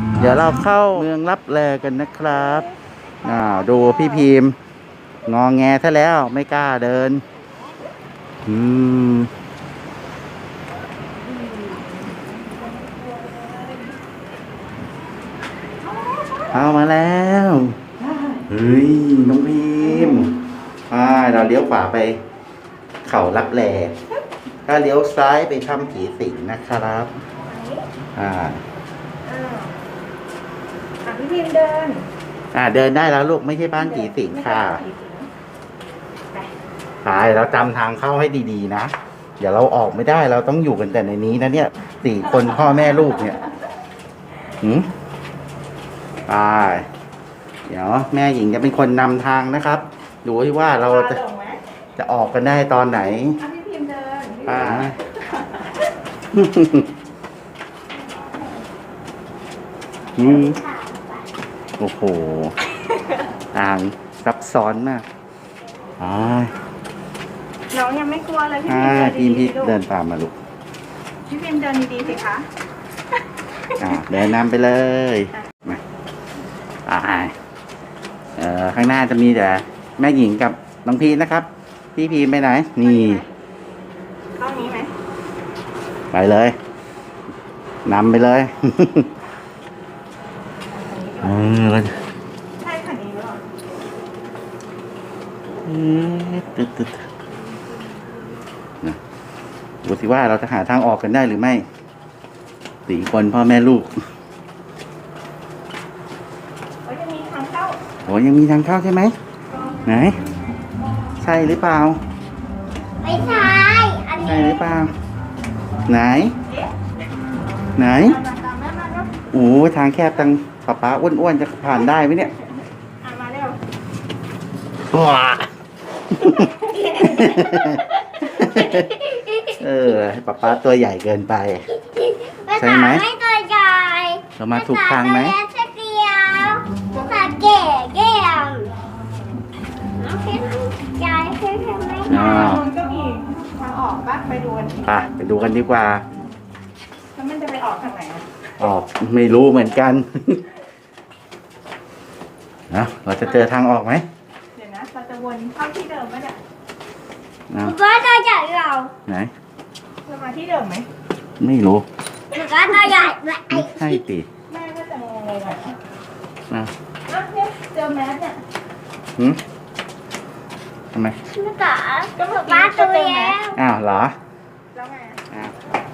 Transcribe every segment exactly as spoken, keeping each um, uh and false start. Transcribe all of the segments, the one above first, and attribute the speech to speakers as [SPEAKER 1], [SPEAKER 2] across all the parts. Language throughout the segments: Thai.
[SPEAKER 1] เดี๋ยวเราเข้าเมืองลับแลกันนะครับอ่าดูพี่พิมพ์งอแงซะแล้วไม่กล้าเดินอืมเข้ามาแล้วเฮ้ยน้องพิมพ์อ่าเราเลี้ยวขวาไปเขาลับแลถ้าเลี้ยวซ้ายไปถ้ำผีสิงนะครับอ่า
[SPEAKER 2] อ่ะพี่พิมเดิน
[SPEAKER 1] อ่าเดินได้แล้วลูกไม่ใช่บ้านผีสิงค่ะไปเราจำทางเข้าให้ดีๆนะเดี๋ยวเราออกไม่ได้เราต้องอยู่กันแต่ในนี้นะเนี่ยสี่คนพ่อแม่ลูกเนี่ยหืมไปเดี๋ยวแม่หญิงจะเป็นคนนำทางนะครับดูที่ว่าเราจะจะออกกันได้ตอนไหน
[SPEAKER 2] อ่ะพี่พิมเดิน
[SPEAKER 1] อ่าอืมโอ้โหทางซับซ้อนมากอ่า
[SPEAKER 2] น้องยังไม่กลัวเลยพี่
[SPEAKER 1] พิมพ์
[SPEAKER 2] พิม
[SPEAKER 1] เดินตามมาลูก
[SPEAKER 2] พี่พิมเดินดีๆสิคะ
[SPEAKER 1] อ่าเดินนำไปเลยมาอ่าเอ่อข้างหน้าจะมีแต่แม่หญิงกับน้องพีนะครับพี่พีไปไหนนี่
[SPEAKER 2] เข้านี้ไหม
[SPEAKER 1] ไปเลยนำไปเลยเออแล้ว
[SPEAKER 2] ใช่คันนี้หรือเปล่า
[SPEAKER 1] เอ๊ะตึ๊ดตึ๊ดนะดูสิว่าเราจะหาทางออกกันได้หรือไม่สี่คนพ่อแม่ลูก
[SPEAKER 2] โอ้ยยังมีทางเข้า
[SPEAKER 1] โอ้ยังมีทางเข้าใช่ไหมไหนใช่หรือเปล่า
[SPEAKER 2] ไม่ใช่อันนี้
[SPEAKER 1] ใช่หรือเปล่าไหนไหนโอ้ทางแคบจังป๊าป๊าอ้วนๆจะผ่านได้ไหมเนี่ย
[SPEAKER 2] มาเร็ว
[SPEAKER 1] ว้าเออป๊าป๊าตัวใหญ่เกินไปใช่ไหม
[SPEAKER 2] ตัวใหญ่
[SPEAKER 1] เรามาถูกทางไหม
[SPEAKER 2] เกียวภาษาเก๋เก๋ยายเคยทำไหม
[SPEAKER 1] อ๋อ
[SPEAKER 2] ก็มีทางออกบ้างไปดูกัน
[SPEAKER 1] อ่ะไปดูกันดีกว่า
[SPEAKER 2] แล้วมันจะไปออกทางไหนอ่ะ
[SPEAKER 1] ออกไม่รู้เหมือนกันนะเราจะเจอทางออกไหม
[SPEAKER 2] เดี๋ยวนะเราจะวนเข้าที่เดิมไหมเนี่ย
[SPEAKER 3] ก็ตัวใหญ่เรา
[SPEAKER 1] ไหน
[SPEAKER 2] จะมาที่เดิมไหม
[SPEAKER 1] ไม่รู้
[SPEAKER 3] ก็ตัวใหญ่
[SPEAKER 1] ไม่ใช่ติ
[SPEAKER 2] แม่ก็จะงงเลยแบบ
[SPEAKER 1] นะ
[SPEAKER 2] อ่ะเนี่ยเจอแมสเนี่ย
[SPEAKER 1] หืมทำไม
[SPEAKER 3] ไม่ต่อก็แบบป้าตัวแล้ว
[SPEAKER 1] อ้าวเหรอ
[SPEAKER 2] แล้วไง
[SPEAKER 1] อ้าว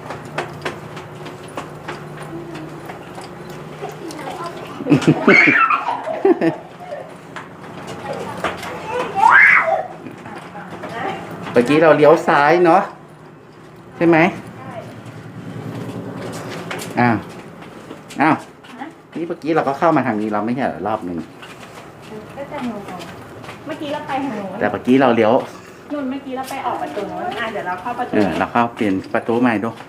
[SPEAKER 1] เมื่อกี้เราเลี้ยวซ้ายเนาะใช่ไหมอ้าวอ้าวนี่เมื่อกี้เราก็เข้ามาทางนี้เราไม่ใช่รอบหนึ่ง
[SPEAKER 2] ก็จะงงเมื่อกี้เราไปทางโน้น
[SPEAKER 1] แต่เมื่อกี้เราเลี้ยว
[SPEAKER 2] นู่นเมื่อกี้เราไปออกประตูโน้นอ่ะเดี๋ยวเราเข้าประตู
[SPEAKER 1] เออเราเข้าเปลี่ยนประตูใหม่ดู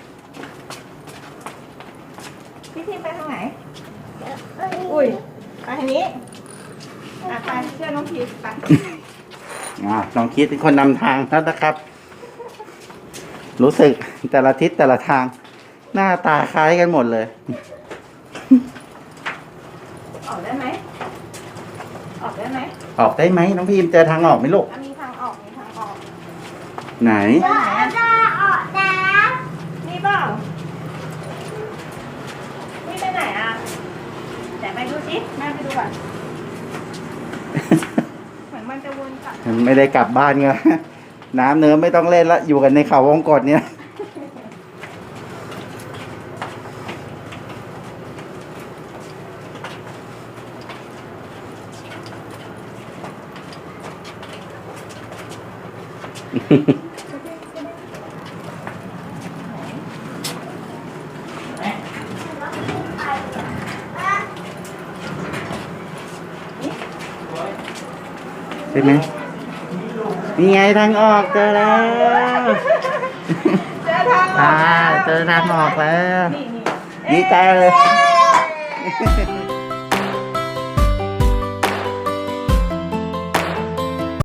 [SPEAKER 2] พี่ทีมไปทางไหนอุ้ยไปทางนี้อ่ะไปเชื่อน้องพีชไป
[SPEAKER 1] อ่าลองคิดเป็นคนนำทางแล้วนะครับรู้สึกแต่ละทิศแต่ละทางหน้าตาคล้ายกันหมดเลย
[SPEAKER 2] ออกได้ไหมออกได้ไหม
[SPEAKER 1] ออกได้ไหมน้องพิมเจอทางออกไหมลูก
[SPEAKER 2] มีทางออกมีทางออก
[SPEAKER 1] ไหน
[SPEAKER 3] จะออกนะ
[SPEAKER 2] นี่เปล่านี่ไปไหนอ่ะแต่ไปดูสิแม่ไปดูก่อนเหมือนมันจะวนกลับ
[SPEAKER 1] ไม่ได้กลับบ้านไงน้ำเนื้อไม่ต้องเล่นละอยู่กันในเขาวงกฏเนี่ยใช่ไหมนี่ไงทางออกเจอแล้ว
[SPEAKER 2] เจอทางออก
[SPEAKER 1] เจอทางออกแล้วดีใจเลย